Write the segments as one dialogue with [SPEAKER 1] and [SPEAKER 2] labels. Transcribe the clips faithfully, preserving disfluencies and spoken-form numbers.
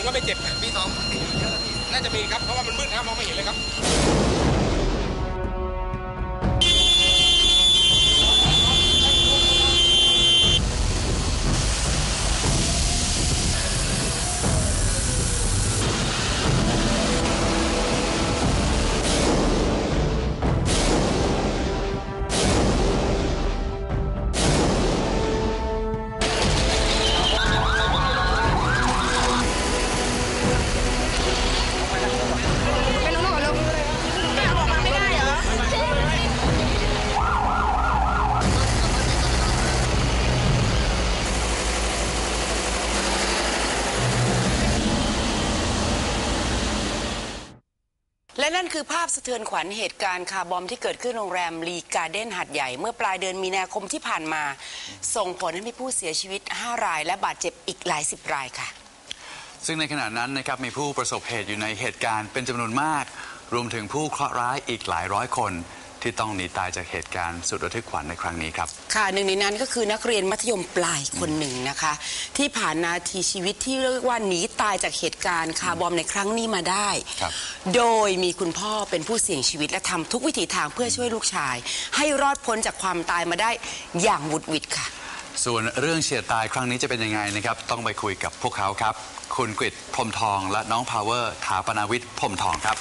[SPEAKER 1] ก็ไม่เจ็บ
[SPEAKER 2] ปีสอง
[SPEAKER 1] น่าจะมีครับเพราะว่ามันมืดนะมองไม่เห็นเลยครับ
[SPEAKER 3] และนั่นคือภาพสะเทือนขวัญเหตุการณ์คาร์บอมที่เกิดขึ้นโรงแรมลีการ์เด้นหาดใหญ่เมื่อปลายเดือนมีนาคมที่ผ่านมาส่งผลให้มีผู้เสียชีวิตห้ารายและบาดเจ็บอีกหลายสิบรายค่ะ
[SPEAKER 4] ซึ่งในขณะนั้นนะครับมีผู้ประสบเหตุอยู่ในเหตุการณ์เป็นจำนวนมากรวมถึงผู้เคราะห์ร้ายอีกหลายร้อยคนที่ต้องหนีตายจากเหตุการณ์สุดระทึกขวัญในครั้งนี้ครับ
[SPEAKER 3] ค่ะหนึ่งในนั้นก็คือนักเรียนมัธยมปลายคนหนึ่งนะคะที่ผ่านนาทีชีวิตที่เรียกว่าหนีตายจากเหตุการณ์คาร์บอมในครั้งนี้มาได้โดยมีคุณพ่อเป็นผู้เสี่ยงชีวิตและทำทุกวิถีทางเพื่อช่วยลูกชายให้รอดพ้นจากความตายมาได้อย่างหวุดหวิดค่ะ
[SPEAKER 4] ส่วนเรื่องเฉียดตายครั้งนี้จะเป็นยังไงนะครับต้องไปคุยกับพวกเขาครับคุณกฤษพรหมทองและน้องพาวเวอร์ถาปนาวิทย์พรหมทองครับ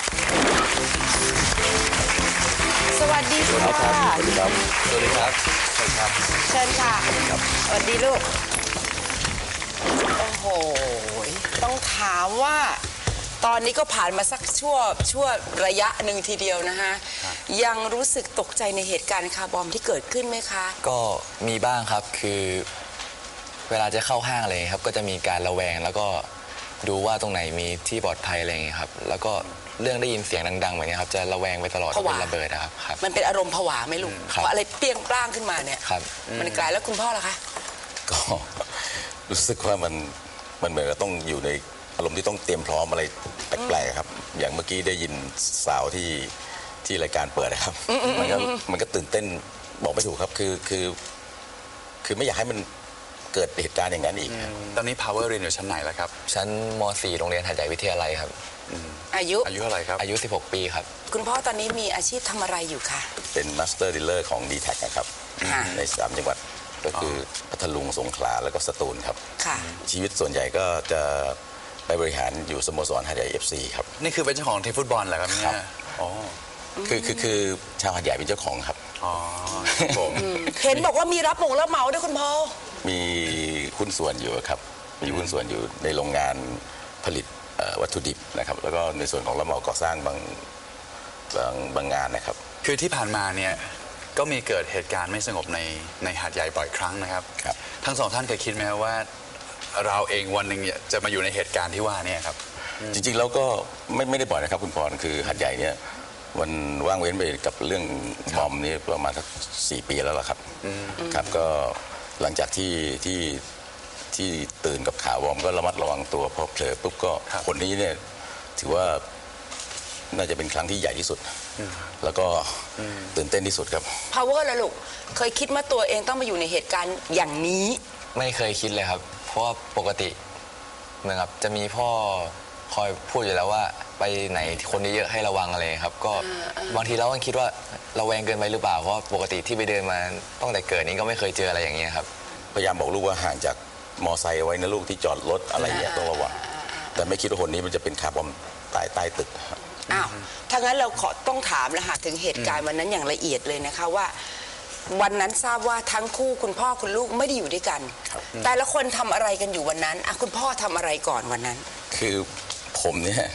[SPEAKER 3] สวัสดีค่ะ
[SPEAKER 5] สวัสดีครับ สวัสดีครับ
[SPEAKER 4] เชิญครับ
[SPEAKER 3] เชิญค่ะสวัสดีลูกโอ้โหต้องถามว่าตอนนี้ก็ผ่านมาสักชั่วชั่วระยะหนึ่งทีเดียวนะคะยังรู้สึกตกใจในเหตุการณ์คาร์บอมที่เกิดขึ้นไหมคะ
[SPEAKER 5] ก็มีบ้างครับคือเวลาจะเข้าห้างอะไรครับก็จะมีการระแวงแล้วก็ดูว่าตรงไหนมีที่ปลอดภัยอะไรอย่างเงี้ยครับแล้วก็เรื่องได้ยินเสียงดังๆแบบนี้ครับจะระแวงไปตลอดเป็นระเบิดครับครับ
[SPEAKER 3] มันเป็นอารมณ์ผวาไหมลูกเพราะอะไรเปรี้ยงปร้างขึ้นมาเนี่ย
[SPEAKER 5] ครับ
[SPEAKER 3] มันกลายแล้วคุณพ่อล่ะคะ
[SPEAKER 2] ก็รู้สึกว่ามันมันเหมือนกับต้องอยู่ในอารมณ์ที่ต้องเตรียมพร้อมอะไรแปลกๆครับอย่างเมื่อกี้ได้ยินสาวที่ที่รายการเปิดนะครับมันก็มันก็ตื่นเต้นบอกไม่ถูกครับคือคือคือไม่อยากให้มันเกิดเหตุการณ์อย่างนั้นอีก
[SPEAKER 4] ตอนนี้ Power เรียนอยู่ชั้นไหนแล้วครับ
[SPEAKER 5] ชั้นม.สี่ โรงเรียนหาดใหญ่วิทยาลัยครับ
[SPEAKER 3] อายุ
[SPEAKER 4] อายุเท่าไหร่ครับ
[SPEAKER 5] อายุสิบหกปีครับ
[SPEAKER 3] คุณพ่อตอนนี้มีอาชีพทำอะไรอยู่คะ
[SPEAKER 2] เป็นมาสเตอร์ดีลเลอร์ของ ดี แท็ก นะครับในสามจังหวัดก็คือพัทลุงสงขลาแล้วก็สตูลครับชีวิตส่วนใหญ่ก็จะไปบริหารอยู่สโมสรหาดใหญ่ เอฟ ซี ครับ
[SPEAKER 4] นี่คือเป็นเจ้าของทีมฟุตบอลเหรอครับเนี่ยอ๋อ
[SPEAKER 2] คือคือคือชาวหาดใหญ่เป็นเจ้าของครับ
[SPEAKER 4] อ๋อผม
[SPEAKER 3] เห็นบอกว่ามีรับหมงรับเหมาด้วยคุณพ่อ
[SPEAKER 2] มีหุ้นส่วนอยู่ครับมีหุ้นส่วนอยู่ในโรงงานผลิตวัตถุดิบนะครับแล้วก็ในส่วนของรับเหมาก่อสร้างบางบางบางงานนะครับ
[SPEAKER 4] คือที่ผ่านมาเนี่ยก็มีเกิดเหตุการณ์ไม่สงบในในหาดใหญ่บ่อยครั้งนะครับ
[SPEAKER 2] ครับ
[SPEAKER 4] ทั้งสองท่านเคยคิดไหมว่าเราเองวันหนึ่งจะมาอยู่ในเหตุการณ์ที่ว่านี่ครับ
[SPEAKER 2] จริงๆแล้วก็ไม่ไม่ได้บ่อยนะครับคุณพรคือหาดใหญ่เนี่ยมันว่างเว้นไปกับเรื่องบอมนี้ประมาณสักสี่ปีแล้วล่ะครับครับก็หลังจากที่ที่ที่ตื่นกับข่าวบอมก็ระมัดระวังตัวพอเผลอปุ๊บก็คนนี้เนี่ยถือว่าน่าจะเป็นครั้งที่ใหญ่ที่สุดแล้วก็ตื่นเต้นที่สุดครับ
[SPEAKER 3] Power ล่ะลูกเคยคิดว่าตัวเองต้องมาอยู่ในเหตุการณ์อย่างนี้
[SPEAKER 5] ไม่เคยคิดเลยครับเพราะว่าปกติเหมือนกับจะมีพ่อคอยพูดอยู่แล้วว่าไปไหนคนเยอะๆให้ระวังอะไรครับก็บางทีเราก็คิดว่าระแวงเกินไปหรือเปล่าเพราะปกติที่ไปเดินมาตั้งแต่เกิดนี้ก็ไม่เคยเจออะไรอย่างเงี้ยครับ
[SPEAKER 2] พยายามบอกลูกว่าห่างจากมอไซค์ไว้นะลูกที่จอดรถอะไรเงี้ยต้องระวังแต่ไม่คิดว่าคนนี้มันจะเป็นคาร์บอมตายใต้ตึก
[SPEAKER 3] อ้าวถ้างั้นเราขอต้องถามแล้วค่ะถึงเหตุการณ์วันนั้นอย่างละเอียดเลยนะคะว่าวันนั้นทราบว่าทั้งคู่คุณพ่อคุณลูกไม่ได้อยู่ด้วยกันแต่ละคนทำอะไรกันอยู่วันนั้นอ่ะคุณพ่อทำอะไรก่อนวันนั้น
[SPEAKER 2] คือผมเนี่ย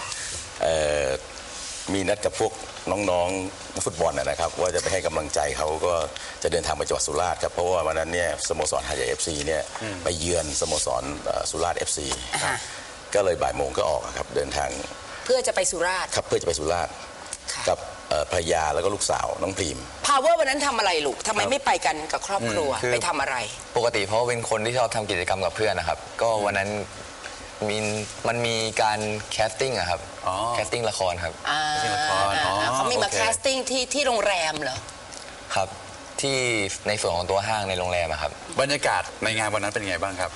[SPEAKER 2] มีนัดกับพวกน้องๆฟุตบอลนะครับว่าจะไปให้กำลังใจเขาก็จะเดินทางไปจังหวัดสุราษฎร์ครับเพราะว่าวันนั้นเนี่ยสโมสรหาดใหญ่ เอฟ ซี เนี่ยไปเยือนสโมสรสุราษฎร์ เอฟ ซี ก็เลยบ่ายโมงก็ออกครับเดินทาง
[SPEAKER 3] เพื่อจะไปสุราษฎร์
[SPEAKER 2] ครับเพื่อจะไปสุราษฎร์กับภรรยาแล้วก็ลูกสาวน้องพรีม
[SPEAKER 3] Power วันนั้นทำอะไรลูกทำไมไม่ไปกันกับครอบครัวไปทำอะไร
[SPEAKER 5] ปกติเพราะเป็นคนที่ชอบทำกิจกรรมกับเพื่อนนะครับก็วันนั้นมีมันมีการแคสติ้งอะครับแคสติ้งละครครับ
[SPEAKER 3] เขามีมาแคสติ้งที่ที่โรงแรมเหรอ
[SPEAKER 5] ครับที่ในส่วนของตัวห้างในโรงแรมครับ
[SPEAKER 4] บรรยากาศในงานวันนั้นเป็นไงบ้างครับ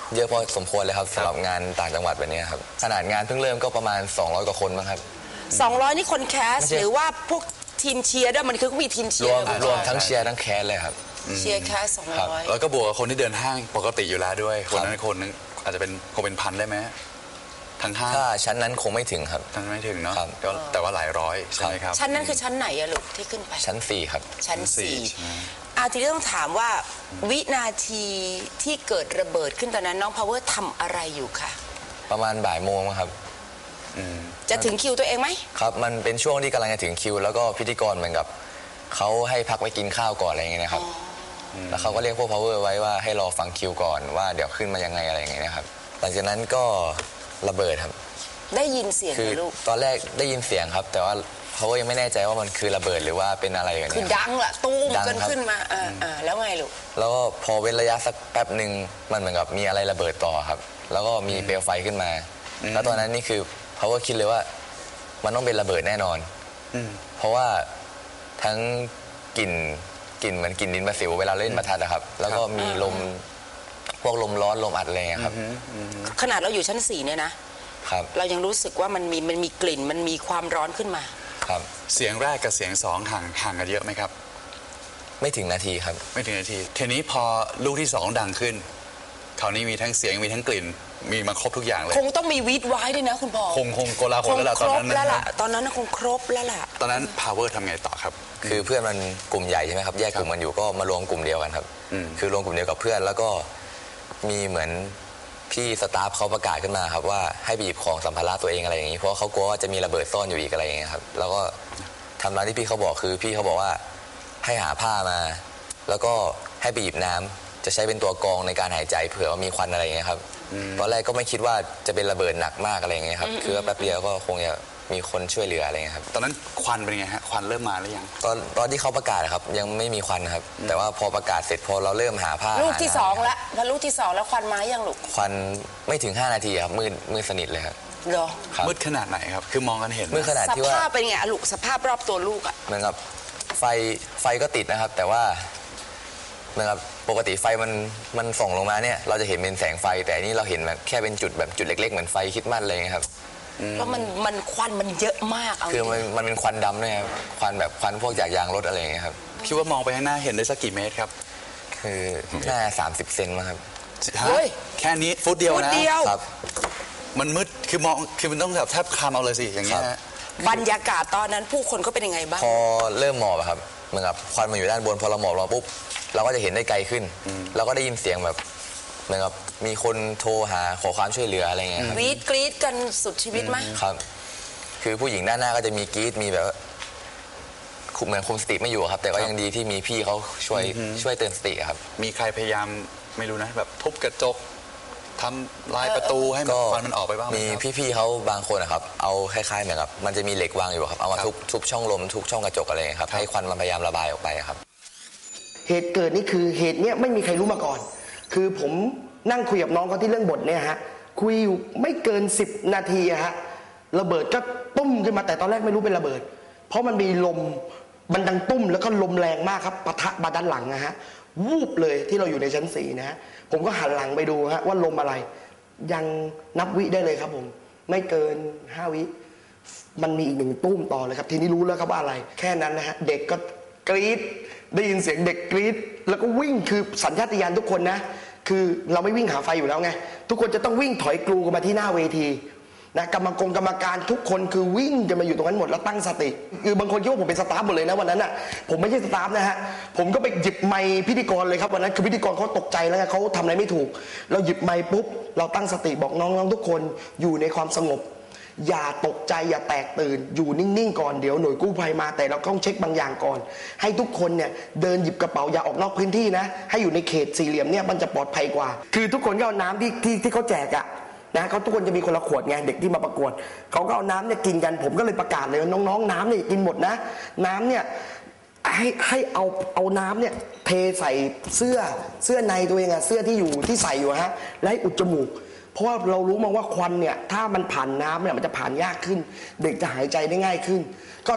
[SPEAKER 5] เยอะพอสมควรเลยครับสำหรับงานต่างจังหวัดแบบนี้ครับขนาดงานเพิ่งเริ่มก็ประมาณสองร้อยกว่าคนมั้งครับ
[SPEAKER 3] สองร้อยนี่คนแคส
[SPEAKER 5] ไม่ใช่
[SPEAKER 3] หรือว่าพวกทีมเชียร์ด้วยมันคือก็มีทีมเชี
[SPEAKER 5] ร
[SPEAKER 3] ยว ร์
[SPEAKER 5] มรวมทั้งเชียร์ทั้งแคสเลยครับ
[SPEAKER 3] เชียร์แคสสองร้อย
[SPEAKER 4] แล้วก็บวกกับคนที่เดินห้างปกติอยู่แล้วด้วยคนนั้นคนนึงอาจจะเป็นคงเป็นพันได้ไหมทั้งห้าง
[SPEAKER 5] ถ้าชั้นนั้นคงไม่ถึงครับ
[SPEAKER 4] ทั้งไม่ถึงเนาะ
[SPEAKER 5] ครับ
[SPEAKER 4] ก็แต่ว่าหลายร้อยใช่ไหมครับ
[SPEAKER 3] ชั้นนั้นคือชั้นไหนอะลูกที่ขึ้นไป
[SPEAKER 5] ชั้นสี่ครับ
[SPEAKER 3] ชั้น
[SPEAKER 4] ชั้นสี่
[SPEAKER 3] สี่
[SPEAKER 4] ใช่ไหม
[SPEAKER 3] อาทีนี้ต้องถามว่าวินาทีที่เกิดระเบิดขึ้นตอนนั้นน้องพาวเวอร์ทำอะไรอยู่คะ
[SPEAKER 5] ประมาณบ่ายโมงครับ
[SPEAKER 3] จะถึงคิวตัวเองไหม
[SPEAKER 5] ครับมันเป็นช่วงที่กำลังจะถึงคิว แล้วก็พิธีกรเหมือนกับเขาให้พักไปกินข้าวก่อนอะไรอย่างเงี้ยนะครับแล้วเขาก็เรียกพวก power ไว้ว่าให้รอฟังคิวก่อนว่าเดี๋ยวขึ้นมายังไงอะไรอย่างเงี้ยนะครับหลังจากนั้นก็ระเบิดครับ
[SPEAKER 3] ได้ยินเสียง
[SPEAKER 5] คื
[SPEAKER 3] ไห
[SPEAKER 5] อ
[SPEAKER 3] มลูก
[SPEAKER 5] ตอนแรกได้ยินเสียงครับ แต่ว่า power ยังไม่แน่ใจว่ามันคือระเบิดหรือว่าเป็นอะไรกัน
[SPEAKER 3] คือ
[SPEAKER 5] เนี่ย
[SPEAKER 3] ดังละตู้ม
[SPEAKER 5] ดัง
[SPEAKER 3] กัน
[SPEAKER 5] ครับ
[SPEAKER 3] ขึ้นมาอ่าอ่าแล้วไงลูก
[SPEAKER 5] แล้วก็พอเว้นระยะสักแป๊บหนึ่งมันเหมือนกับมีอะไรระเบิดต่อครับ แล้วก็มีเปลวไฟขึ้นมา แล้วตอนนั้นนี่คือ power คิดเลยว่ามันต้องเป็นระเบิดแน่นอนเพราะว่าทั้งกลิ่นกลิ่นเหมือนกลิ่นดินประสิวเวลาเล่นประทัดนะครับ แล้วก็มีลมพวกลมร้อนลมอัดอะไรเงี้ยครับ
[SPEAKER 3] ขนาดเราอยู่ชั้นสี่เนี่ยนะครับ เรายังรู้สึกว่ามันมีมันมีกลิ่นมันมีความร้อนขึ้นมา
[SPEAKER 5] ครับ
[SPEAKER 4] เสียงแรกกับเสียงสองห่างห่างกันเยอะไหมครับ
[SPEAKER 5] ไม่ถึงนาทีครับ
[SPEAKER 4] ไม่ถึงนาทีทีนี้พอลูกที่สองดังขึ้นคราวนี้มีทั้งเสียงมีทั้งกลิ่นมีมาครบทุกอย่างเลย
[SPEAKER 3] คงต้องมีวีดไว้ด้วยนะคุณพ่อ
[SPEAKER 4] คงคงโกลาห
[SPEAKER 3] ค
[SPEAKER 4] ล
[SPEAKER 3] ง
[SPEAKER 4] แล้วล่ะ
[SPEAKER 3] ค
[SPEAKER 4] ตอน
[SPEAKER 3] รบ
[SPEAKER 4] นั้น
[SPEAKER 3] แล้ว
[SPEAKER 4] นะ
[SPEAKER 3] ล่ะตอนนั้นน่ะคงครบแล้วล่ะ
[SPEAKER 4] ตอนนั้น power ทำไงต่อครับ
[SPEAKER 5] คือเพื่อนมันกลุ่มใหญ่ใช่ไหมครับแยกกลุ่มกันอยู่ก็มารวมกลุ่มเดียวกันครับ
[SPEAKER 4] อืม
[SPEAKER 5] คือรวมกลุ่มเดียวกับเพื่อนแล้วก็มีเหมือนพี่สตาฟเขาประกาศขึ้นมาครับว่าให้ไปหยิบของสัมภาระตัวเองอะไรอย่างนี้เพราะเขากลัวว่าจะมีระเบิดซ่อนอยู่อีกอะไรอย่างเงี้ยครับแล้วก็ทำตามที่พี่เขาบอกคือพี่เขาบอกว่าให้หาผ้ามา แล้วก็ให้ไปหยิบน้ำจะใช้เป็นตัวกรองในการหายใจเผื่อว่ามีควันอะไรอย่างเงี้ยครับตอนแรกก็ไม่คิดว่าจะเป็นระเบิดหนักมากอะไรอย่างเงี้ยครับคือว่าแป๊บเดียวก็คงจะมีคนช่วยเหลืออะไรอย่างเงี้ยครับ
[SPEAKER 4] ตอนนั้นควันเป็นไงฮะควันเริ่มมาหรือยัง
[SPEAKER 5] ตอนตอนที่เขาประกาศอะครับยังไม่มีควันครับ แต่ว่าพอประกาศเสร็จพอเราเริ่มหาผ้า
[SPEAKER 3] ลูกที่
[SPEAKER 5] หาน้ำ
[SPEAKER 3] สองแล้วพอลูกที่สองแล้วควันมายังลูก
[SPEAKER 5] ควันไม่ถึงห้านาทีครับมืดมืดสนิทเลยครับ
[SPEAKER 3] เหรอ
[SPEAKER 5] ครับ
[SPEAKER 4] มืดขนาดไหนครับคือมองกันเห็นไหม
[SPEAKER 5] มืดขนาด
[SPEAKER 3] ส
[SPEAKER 5] ที่ว่า
[SPEAKER 3] ภาพเป็นไงอะลูกสภาพรอบตัวลูกอะ
[SPEAKER 5] เหมือนกับไฟไฟก็ติดนะครับ แต่ว่าเหมือนกับปกติไฟมันมันส่องลงมาเนี่ยเราจะเห็นเป็นแสงไฟ แต่อันนี่เราเห็นแบบแค่เป็นจุดแบบจุดเล็กๆเหมือนไฟคริดมัดอะไรอย่างเงี้ยครับ
[SPEAKER 3] แล้วมันมันควันมันเยอะมากเอา
[SPEAKER 5] คือ
[SPEAKER 3] จริง
[SPEAKER 5] มันมันเป็นควันดำด้วยครับควันแบบควันพวกจากยางรถอะไรอย่างเงี้ยครับ
[SPEAKER 4] คิดว่ามองไปข้างหน้าเห็นได้สักกี่เมตรครับ
[SPEAKER 5] คือหน้าสามสิบเซนมั้งครับ
[SPEAKER 4] ฮะ
[SPEAKER 3] เฮ้ย
[SPEAKER 4] แค่นี้ฟุตเดียว
[SPEAKER 3] พูด
[SPEAKER 4] นะ
[SPEAKER 3] เดียว
[SPEAKER 5] ครับ
[SPEAKER 4] มันมืดคือมองคือมันต้องแบบแทบคลำเอาเลยสิอย่างเงี้ย
[SPEAKER 5] ครับ
[SPEAKER 4] ฮะ
[SPEAKER 3] บรรยากาศตอนนั้นผู้คนก็เป็นยังไงบ้าง
[SPEAKER 5] พอเริ่มหมอบอะครับเหมือนกับควันมันอยู่ด้านบนพอเราหมอบลงปุ๊บเราก็จะเห็นได้ไกลขึ้นเราก็ได้ยินเสียงแบบเหมือนกับมีคนโทรหาขอความช่วยเหลืออะไรเงี้ยครับ
[SPEAKER 3] วีดกรีดกันสุดชีวิตไหม
[SPEAKER 5] ครับ คือผู้หญิงด้านหน้าก็จะมีกรีดมีแบบว่าคุมเหมือนคุมสติไม่อยู่ครับ แต่ก็ยังดีที่มีพี่เขาช่วยช่วยเตือนสติอะครับ
[SPEAKER 4] มีใครพยายามไม่รู้นะ แบบทุบกระจกทำลายประตูให้มัน
[SPEAKER 5] ก็
[SPEAKER 4] ควันมันออกไปบ้างไหม
[SPEAKER 5] มี
[SPEAKER 4] ครับ
[SPEAKER 5] พี่ๆเขาบางคนนะครับเอาคล้ายๆเหมือนกับมันจะมีเหล็กวางอยู่ครับเอามา
[SPEAKER 4] ครับ
[SPEAKER 5] ทุบทุบช่องลมทุบช่องกระจกอะไรเงี้ยครับ
[SPEAKER 4] ครับ
[SPEAKER 5] ให้ควันมันพยายามระบายออกไปครับ
[SPEAKER 6] เหตุเกิดนี่คือเหตุเนี้ยไม่มีใครรู้มาก่อน คือผมนั่งคุยกับน้องเขาที่เรื่องบทเนี่ยฮะคุยอยู่ไม่เกินสิบนาทีอะฮะระเบิดก็ตุ้มขึ้นมาแต่ตอนแรกไม่รู้เป็นระเบิด เพราะมันมีลมมันดังตุ้มแล้วก็ลมแรงมากครับปะทะมาด้านหลังนะฮะวูบเลยที่เราอยู่ในชั้นสี่นะฮะผมก็หันหลังไปดูฮะว่าลมอะไร ยังนับวิได้เลยครับผมไม่เกินห้าวิมันมีอีกหนึ่งตุ้มต่อเลยครับทีนี้รู้แล้วครับว่าอะไร แค่นั้นนะฮะเด็กก็กรี๊ดได้ยินเสียงเด็กกรี๊ดแล้วก็วิ่งคือสัญชาตญาณทุกคนนะคือเราไม่วิ่งหาไฟอยู่แล้วไงทุกคนจะต้องวิ่งถอยกลูกันมาที่หน้าเวทีนะกรรมกรกรรมการทุกคนคือวิ่งจะมาอยู่ตรงนั้นหมดแล้วตั้งสติคือบางคนคิดว่าผมเป็นสตาฟหมดเลยนะวันนั้นอ่ะผมไม่ใช่สตาฟนะฮะผมก็ไปหยิบไมค์พิธีกรเลยครับวันนั้นคือพิธีกรเขาตกใจแล้วไงเขาทำอะไรไม่ถูกเราหยิบไมค์ปุ๊บเราตั้งสติบอกน้องๆทุกคนอยู่ในความสงบอย่าตกใจอย่าแตกตื่นอยู่นิ่งๆก่อนเดี๋ยวหน่วยกู้ภัยมาแต่เราต้องเช็คบางอย่างก่อนให้ทุกคนเนี่ยเดินหยิบกระเป๋าอย่าออกนอกพื้นที่นะให้อยู่ในเขตสี่เหลี่ยมเนี่ยมันจะปลอดภัยกว่าคือทุกคนก็เอาน้ำที่ที่ที่เขาแจกอะนะเขาทุกคนจะมีคนละขวดไงเด็กที่มาประกวดเขาก็เอาน้ำเนี่ยกินกันผมก็เลยประกาศเลยว่าน้องๆน้ำเนี่ยกินหมดนะน้ำเนี่ยให้ให้เอาเอาน้ำเนี่ยเทใส่เสื้อเสื้อในตัวเองอะเสื้อที่อยู่ที่ใส่อยู่ฮะแล้วให้อุดจมูกเพราะว่าเรารู้มาว่าควันเนี่ยถ้ามันผ่านน้ำเนี่ยมันจะผ่านยากขึ้น เด็กจะหายใจได้ง่ายขึ้น ก็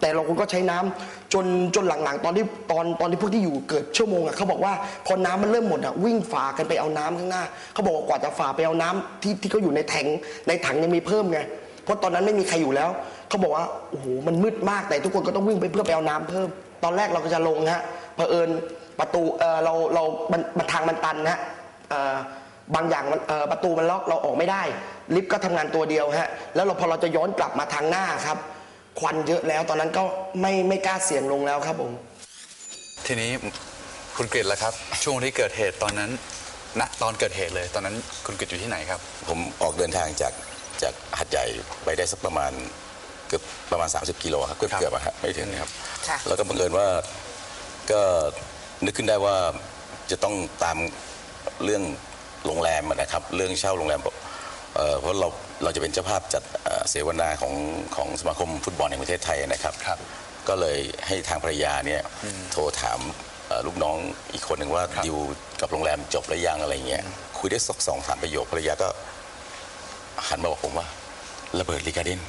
[SPEAKER 6] แต่เราคนก็ใช้น้ำจนจนหลังๆ ตอนที่ตอนตอนที่พวกที่อยู่เกิดชั่วโมงอ่ะเขาบอกว่าพอน้ำมันเริ่มหมดอ่ะวิ่งฝ่ากันไปเอาน้ำข้างหน้าเขาบอกว่ากว่าจะฝ่าไปเอาน้ำที่ที่เขาอยู่ในแทงในถังยังมีเพิ่มไงเพราะตอนนั้นไม่มีใครอยู่แล้วเขาบอกว่าโอ้โหมันมืดมากแต่ทุกคนก็ต้องวิ่งไปเพื่อไปเอาน้ำเพิ่มตอนแรกเราก็จะลงฮะเผอิญประตูเออเราเรามันมันทางมันตันฮะเออบางอย่างมันเออประตูมันล็อกเราออกไม่ได้ลิฟต์ก็ทำงานตัวเดียวฮะแล้วเราพอเราจะย้อนกลับมาทางหน้าครับควันเยอะแล้วตอนนั้นก็ไม่ไม่กล้าเสี่ยงลงแล้วครับผม
[SPEAKER 4] ทีนี้คุณกฤษล่ะครับ ช่วงที่เกิดเหตุตอนนั้นณตอนเกิดเหตุเลย ตอนนั้นคุณกฤษอยู่ที่ไหนครับ
[SPEAKER 2] ผมออกเดินทางจากจากหัดใหญ่ไปได้สักประมาณเกือบประมาณ สามสิบ กิโลครับเกือบ
[SPEAKER 4] ครับ
[SPEAKER 2] เกือบอะครับไม่ถึงครับ
[SPEAKER 3] ค่ะ
[SPEAKER 2] แล้วก็บังเอิญว่าก็นึกขึ้นได้ว่าจะต้องตามเรื่องโรงแรมอะนะครับ เรื่องเช่าโรงแรมเอ่อเพราะเราเราจะเป็นเจ้าภาพจัดเอ่อเสวนาของของสมาคมฟุตบอลแห่งประเทศไทยนะครับ
[SPEAKER 4] ครับ
[SPEAKER 2] ก็เลยให้ทางภรรยาเนี่ยโทรถามเอ่อลูกน้องอีกคนหนึ่งว่า
[SPEAKER 4] ครับ
[SPEAKER 2] ดิวกับโรงแรมจบหรือยังอะไรเงี้ยคุยได้สักสองสามประโยคภรรยาก็หันมาบอกผมว่าระเบิดลีกาเดน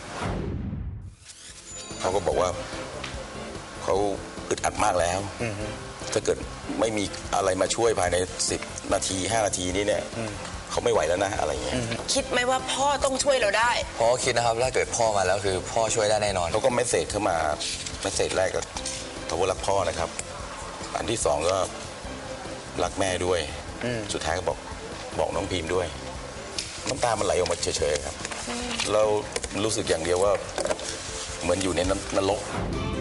[SPEAKER 2] เขาก็บอกว่าเขาอึดอัดมากแล้วถ้าเกิดไม่มีอะไรมาช่วยภายในสิบนาทีห้านาทีนี้เนี่ยเขาไม่ไหวแล้วนะอะไรเงี้ย
[SPEAKER 3] คิดไหมว่าพ่อต้องช่วยเราได้
[SPEAKER 5] เพราะคิดนะครับถ้าเกิดพ่อมาแล้วคือพ่อช่วยได้แน่นอน
[SPEAKER 2] เขาก็เมสเซจเข้ามาเมสเซจแรกก็ขอบคุณรักพ่อนะครับ อันที่สองก็รักแม่ด้วยสุดท้ายก็บอกบอกน้องพิมพ์ด้วย น้ำตามันไหลออกมาเฉยๆครับเรารู้สึกอย่างเดียวว่าเหมือนอยู่ในนรก